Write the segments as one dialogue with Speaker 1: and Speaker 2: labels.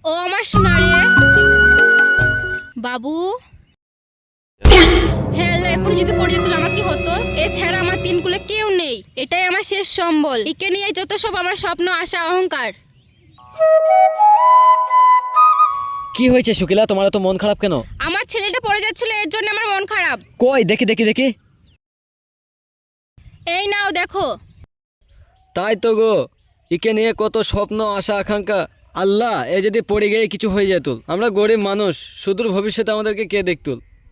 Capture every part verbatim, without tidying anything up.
Speaker 1: ও আমার সোনারে বাবু, হ্যাঁ আল্লাহ, এখন যদি পড়ে যেত আমার কি হতো? এছাড়া আমার তিন কুলে কেউ নেই, এটাই আমার শেষ সম্বল। একে নিয়ে যত সব আমার স্বপ্ন, আশা, অহংকার।
Speaker 2: কি হয়েছে শুকিলা, তোমার তো মন খারাপ কেন?
Speaker 1: আমার ছেলেটা পড়ে যাচ্ছিল, এর জন্য আমার মন খারাপ।
Speaker 2: কই দেখি দেখি দেখি।
Speaker 1: এই নাও দেখো।
Speaker 2: তাই তো গো, একে নিয়ে কত স্বপ্ন, আশা, আকাঙ্ক্ষা। আল্লাহ, এ যদি পড়ে গিয়ে কিছু হয়ে যেত, আমরা গরিব মানুষ, সুদূর ভবিষ্যতে আমাদেরকে কে দেখত?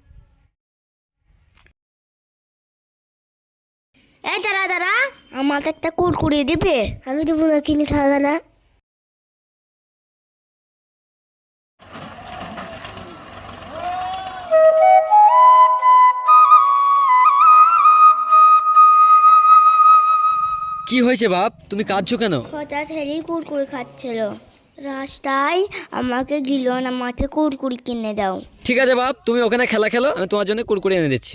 Speaker 3: এই দাঁড়া দাঁড়া, আমাকে একটা কুরকুরি দিবে? আমি দেবো না, কিনে খাবে না।
Speaker 2: কি হয়েছে বাপ, তুমি কাঁদছো কেন?
Speaker 3: হঠাৎ হেরি কুরকুরি খাচ্ছিল, রাস্তায় আমাকে গিল না, মাঠে কুরকুরি কিনে দাও।
Speaker 2: ঠিক আছে বাপ, তুমি ওখানে খেলা খেলো, আমি তোমার জন্য কুরকুরে এনে দিচ্ছি।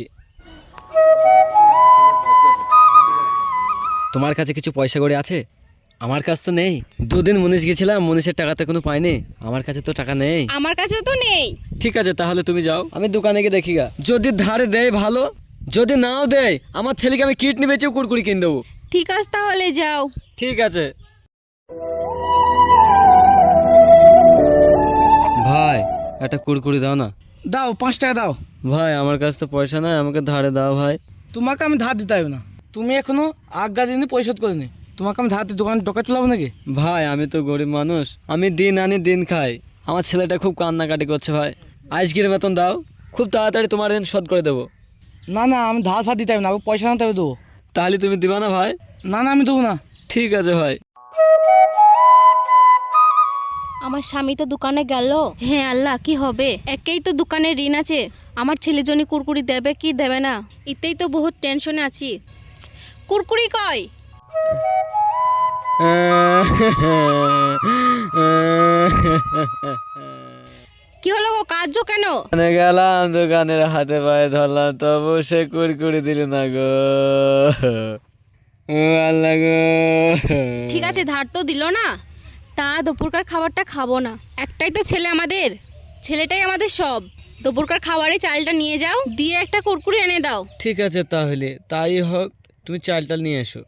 Speaker 2: তোমার কাছে কিছু পয়সা করে আছে? আমার কাছে তো নেই। দুদিন মুনিশ গেছিলাম, মুনিশের টাকাতে কোনো পাইনি, আমার কাছে তো টাকা নেই।
Speaker 1: আমার কাছেও তো নেই।
Speaker 2: ঠিক আছে, তাহলে তুমি যাও, আমি দোকানে গিয়ে দেখি গা। যদি ধারে দেয় ভালো, যদি নাও দেয় আমার ছেলেকে আমি কিডনি বেচেও কুরকুরি কিনে দেবো।
Speaker 1: ঠিক আছে, তাহলে যাও।
Speaker 2: ঠিক আছে ভাই, একটা কুরকুরি দাও না।
Speaker 4: দাও, পাঁচ টাকা দাও।
Speaker 2: ভাই আমার কাছে তো পয়সা নাই, আমাকে ধারে দাও ভাই।
Speaker 4: তোমাকে আমি ধার দিতে হবে না, তুমি এখনো আজ্ঞা দিনে পরিশোধ করিনি, তোমাকে আমি ধার দিয়ে দোকানে ডকা চলাবো নাকি?
Speaker 2: ভাই আমি তো গরিব মানুষ, আমি দিন আনি দিন খাই। আমার ছেলেটা খুব কান্নাকাটি করছে ভাই, আজকের বেতন দাও, খুব তাড়াতাড়ি তোমার ঋণ শোধ করে দেবো।
Speaker 4: না না, আমি ধার ফার দিতে হবে না, আমি পয়সা আনতে হবে দেবো।
Speaker 2: তাহলে তুমি দিবা না ভাই?
Speaker 4: না না, আমি দেবো না।
Speaker 2: ঠিক আছে ভাই।
Speaker 1: আমার স্বামী তো দোকানে গেল। হ্যাঁ আল্লাহ, কি হবে? একেই তো দোকানে ঋণ আছে, আমার ছেলে জন্য কুরকুরি দেবে কি দেবে না, এতেই তো বহুত টেনশনে আছি। কুরকুরি কই? কি হলো গো, কাঁদছো কেন?
Speaker 2: দোকানে গেলাম, দোকানের হাতে পায়ে ধরলাম, তবু সে কুরকুরি দিল না গো। ও আল্লাহ গো।
Speaker 1: ঠিক আছে, ধার তো দিল না, তা দুপুরকার খাবারটা খাবো না। একটাই তো ছেলে আমাদের, ছেলেটাই আমাদের সব। দুপুরকার খাবারে চালটা নিয়ে যাও, দিয়ে একটা কুরকুরি এনে দাও।
Speaker 2: ঠিক আছে, তাহলে তাই হোক, তুমি চালটা নিয়ে এসো।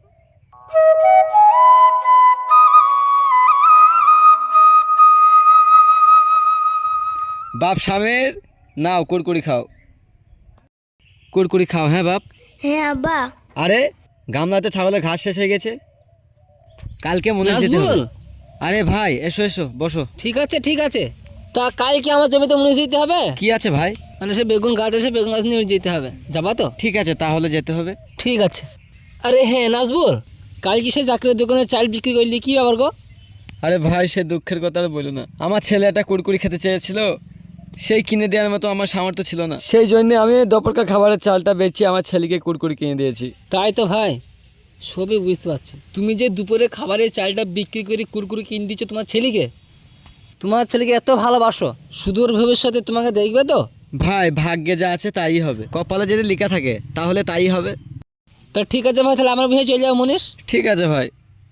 Speaker 2: বাপ স্বামীর নাও, কুরকুরি খাও, কুরকুরি খাও। হ্যাঁ বাপ।
Speaker 3: হ্যাঁ আব্বা।
Speaker 2: আরে গামলাতে ছাগলের ঘাস শেষ হয়ে গেছে, কালকে মনে যেতে হবে।
Speaker 5: নাজমুল,
Speaker 2: আরে ভাই এসো এসো, বসো।
Speaker 5: ঠিক আছে ঠিক আছে, তা কালকে আমার জমিতে মুনিশ যেতে হবে।
Speaker 2: কি আছে ভাই?
Speaker 5: মানে সে বেগুন গাছ আছে, বেগুন গাছ নিয়ে যেতে হবে, যাবা তো?
Speaker 2: ঠিক আছে, তাহলে যেতে হবে।
Speaker 5: ঠিক আছে। আরে হ্যাঁ নাজবুল, কাল কি সে চাকরির দোকানে চাল বিক্রি করলি, কি ব্যাপার গো?
Speaker 2: আরে ভাই সে দুঃখের কথা আর বলো না, আমার ছেলে একটা কুরকুরি খেতে চেয়েছিল, সেই কিনে দেওয়ার মতো আমার সামর্থ্য ছিল না, সেই জন্য আমি দুপুরকার খাবারের চালটা বেচে আমার ছেলেকে কুরকুরি কিনে দিয়েছি।
Speaker 5: তাই তো ভাই, সবই বুঝতে পারছি। তুমি যে দুপুরে খাবারের চালটা বিক্রি করে কুরকুরি কিনে দিচ্ছ তোমার ছেলেকে, তোমার ছেলেকে এত ভালোবাসো, সুদূর ভবিষ্যতে তোমাকে দেখবে তো?
Speaker 2: ভাই ভাগ্যে যা আছে তাই হবে, কপালে যদি লেখা থাকে তাহলে তাই হবে।
Speaker 5: তা ঠিক আছে ভাই, তাহলে আমার বিয়ে চলে যাও মুনিশ।
Speaker 2: ঠিক আছে ভাই।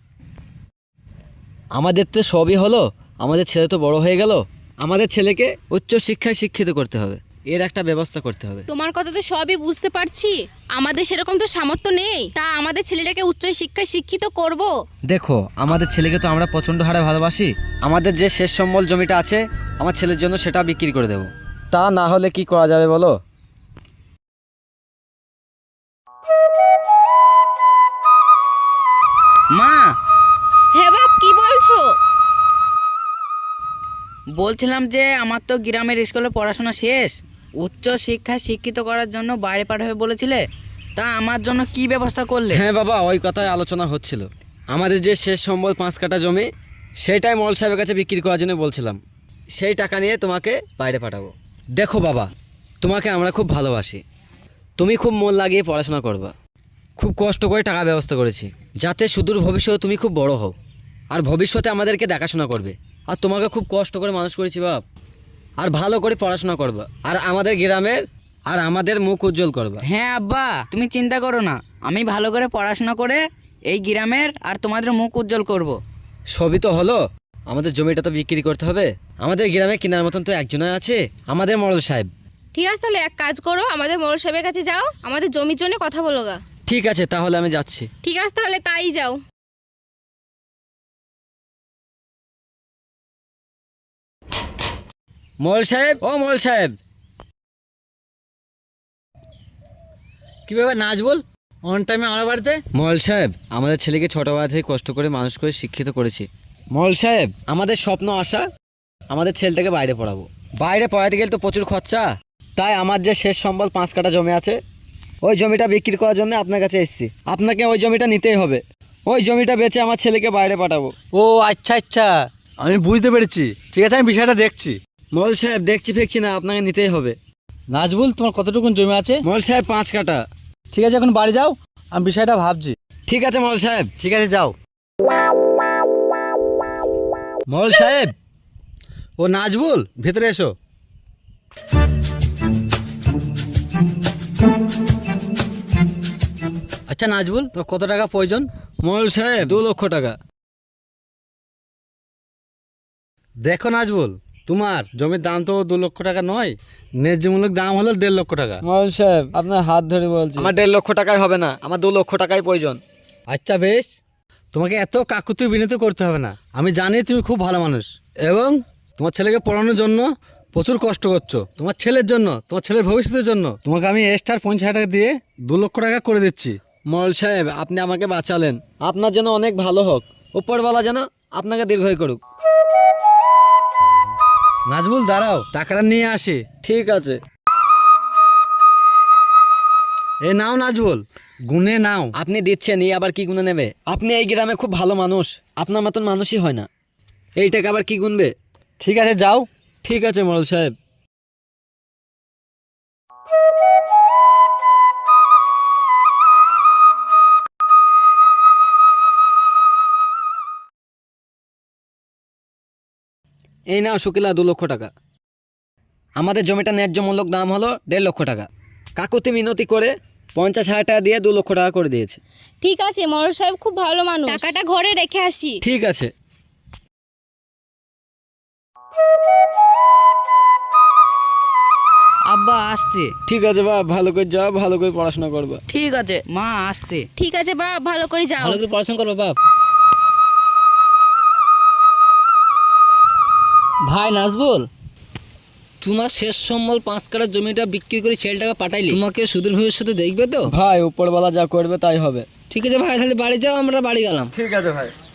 Speaker 2: আমাদের তো সবই হলো, আমাদের ছেলে তো বড় হয়ে গেল, আমাদের ছেলেকে উচ্চ শিক্ষায় শিক্ষিত করতে হবে, এর একটা ব্যবস্থা করতে হবে।
Speaker 1: তোমার কথা তো সবই বুঝতে পারছি, আমাদের সেরকম তো সামর্থ্য নেই, তা আমাদের ছেলেটাকে উচ্চ শিক্ষায় শিক্ষিত করব।
Speaker 2: দেখো আমাদের ছেলেকে তো আমরা প্রচণ্ড হারে ভালোবাসি, আমাদের যে শেষ সম্বল জমিটা আছে আমার ছেলের জন্য সেটা বিক্রি করে দেব, তা না হলে কি করা যাবে বলো?
Speaker 5: মা,
Speaker 1: হ্যাঁ বাপ, কি বলছো?
Speaker 6: বলছিলাম যে আমার তো গ্রামের স্কুলে পড়াশোনা শেষ, উচ্চ শিক্ষায় শিক্ষিত করার জন্য বাইরে পাঠাবে বলেছিলে, তা আমার জন্য কি ব্যবস্থা করলে?
Speaker 2: হ্যাঁ বাবা, ওই কথাই আলোচনা হচ্ছিল, আমাদের যে শেষ সম্বল পাঁচ কাঠা জমি সেইটাই মল সাহেবের কাছে বিক্রি করার জন্য বলছিলাম, সেই টাকা নিয়ে তোমাকে বাইরে পাঠাবো। দেখো বাবা, তোমাকে আমরা খুব ভালোবাসি, তুমি খুব মন লাগিয়ে পড়াশোনা করবা, খুব কষ্ট করে টাকা ব্যবস্থা করেছি যাতে সুদূর ভবিষ্যতে তুমি খুব বড় হও আর ভবিষ্যতে আমাদেরকে দেখাশোনা করবে, আর তোমাকে খুব কষ্ট করে মানুষ করেছি বাপ, আর ভালো করে পড়াশোনা করবা, আর আমাদের গ্রামের আর আমাদের মুখ উজ্জ্বল করবা।
Speaker 6: হ্যাঁ আব্বা, তুমি চিন্তা করো না, আমি ভালো করে পড়াশোনা করে এই গ্রামের আর তোমাদের মুখ উজ্জ্বল করব।
Speaker 2: সবই তো হলো, আমাদের জমিটা তো বিক্রি করতে হবে। আমাদের গ্রামে কেনার মতন তো একজনই আছে, আমাদের মোড়ল সাহেব।
Speaker 1: ঠিক আছে, তাহলে এক কাজ করো, আমাদের মোড়ল সাহেবের কাছে যাও, আমাদের জমির জন্য কথা বলো গা।
Speaker 2: ঠিক আছে, তাহলে আমি যাচ্ছি।
Speaker 1: ঠিক আছে, তাহলে তাই যাও।
Speaker 2: মোড়ল সাহেব, ও মোড়ল সাহেব।
Speaker 5: কি ব্যাপার নাজবুল, অন টাইমে আমার বাড়িতে?
Speaker 2: মোড়ল সাহেব, আমাদের ছেলেকে ছোটবেলা থেকে কষ্ট করে মানুষ করে শিক্ষিত করেছি। মোড়ল সাহেব, আমাদের স্বপ্ন আশা আমাদের ছেলেটাকে বাইরে পড়াবো। বাইরে পড়াতে গেলে তো প্রচুর খরচা, তাই আমার যে শেষ সম্বল পাঁচ কাঠা জমি আছে, ওই জমিটা বিক্রি করার জন্য আপনার কাছে এসেছি। আপনাকে ওই জমিটা নিতেই হবে। ওই জমিটা বেচে আমার ছেলেকে বাইরে পাঠাবো।
Speaker 7: ও আচ্ছা আচ্ছা, আমি বুঝতে পেরেছি। ঠিক আছে, আমি বিষয়টা দেখছি।
Speaker 2: মোড়ল সাহেব, দেখছি ফেকছি না, আপনাকে নিতেই হবে।
Speaker 7: নাজবুল, তোমার কতটুকুন জমি আছে?
Speaker 2: মোড়ল সাহেব, পাঁচ কাঠা।
Speaker 7: ঠিক আছে, এখন বাড়ি যাও, আমি বিষয়টা ভাবছি।
Speaker 2: ঠিক আছে মোড়ল সাহেব।
Speaker 7: ঠিক আছে, যাও।
Speaker 2: মোড়ল সাহেব,
Speaker 7: ও নাজবুল, ভেতরে এসো। আচ্ছা নাজবুল, তোমার কত টাকা প্রয়োজন?
Speaker 2: মোড়ল সাহেব, দু লক্ষ টাকা।
Speaker 7: দেখো নাজবুল, তোমার জমির দাম তো দু লক্ষ টাকা নয়, ন্যায্যমূলক দাম হলো দেড় লক্ষ টাকা।
Speaker 2: মোড়ল সাহেব, আপনার হাত ধরে বলছি, আমার দেড় লক্ষ টাকায় হবে না, আমার দু লক্ষ টাকাই প্রয়োজন।
Speaker 7: আচ্ছা বেশ, তোমাকে এত কাকুতি বিনীত করতে হবে না। আমি জানি তুমি খুব ভালো মানুষ এবং তোমার ছেলেকে পড়ানোর জন্য প্রচুর কষ্ট করছো। তোমার ছেলের জন্য, তোমার ছেলের ভবিষ্যতের জন্য তোমাকে আমি এক্সট্রা পঞ্চাশ হাজার টাকা দিয়ে দু লক্ষ টাকা করে দিচ্ছি।
Speaker 2: মোড়ল সাহেব, আপনি আমাকে বাঁচালেন, আপনার জন্য অনেক ভালো হোক। উপরওয়ালা যেন আপনাকে দীর্ঘই করুক।
Speaker 7: নাজবুল দাঁড়াও, টাকাটা নিয়ে আসি।
Speaker 2: ঠিক আছে।
Speaker 7: এ নাও নাজবুল, গুনে নাও।
Speaker 2: আপনি দিচ্ছেন, এই আবার কি গুনে নেবে? আপনি এই গ্রামে খুব ভালো মানুষ, আপনার মতন মানুষই হয় না। এই টাকা আবার কি গুনবে?
Speaker 7: ঠিক আছে, যাও।
Speaker 2: ঠিক আছে মোড়ল সাহেব। এই নাও শুকিলা, দু লক্ষ টাকা। আমাদের জমিটা ন্যায্য মূল্য দাম হলো দেড় লক্ষ টাকা। কাকুতি মিনতি করে পঞ্চাশ হাজার টাকা দিয়ে দু লক্ষ টাকা করে দিয়েছে।
Speaker 1: ঠিক আছে, মোড়ল সাহেব খুব ভালো মানুষ, টাকাটা ঘরে রেখে আসি।
Speaker 2: ঠিক আছে।
Speaker 6: আব্বা আসছে।
Speaker 2: ঠিক আছে বাপ, ভালো করে যাও, ভালো করে পড়াশোনা করবা।
Speaker 6: ঠিক আছে মা, আসছে।
Speaker 1: ঠিক আছে বা, ভালো করে যাও।
Speaker 5: ভালো করে পড়াশোনা করবে বাপ। ভাই নাজবুল, তোমার শেষ সম্বল পাঁচ কাঠার জমিটা বিক্রি করে ছেলেটাকে পাঠাইলি, তোমাকে সুদূর ভবিষ্যতে দেখবে তো?
Speaker 2: ভাই, উপরওয়ালা যা করবে তাই হবে।
Speaker 5: ঠিক আছে ভাই, তাহলে বাড়ি যাও, আমরা বাড়ি গেলাম।
Speaker 2: ঠিক আছে ভাই।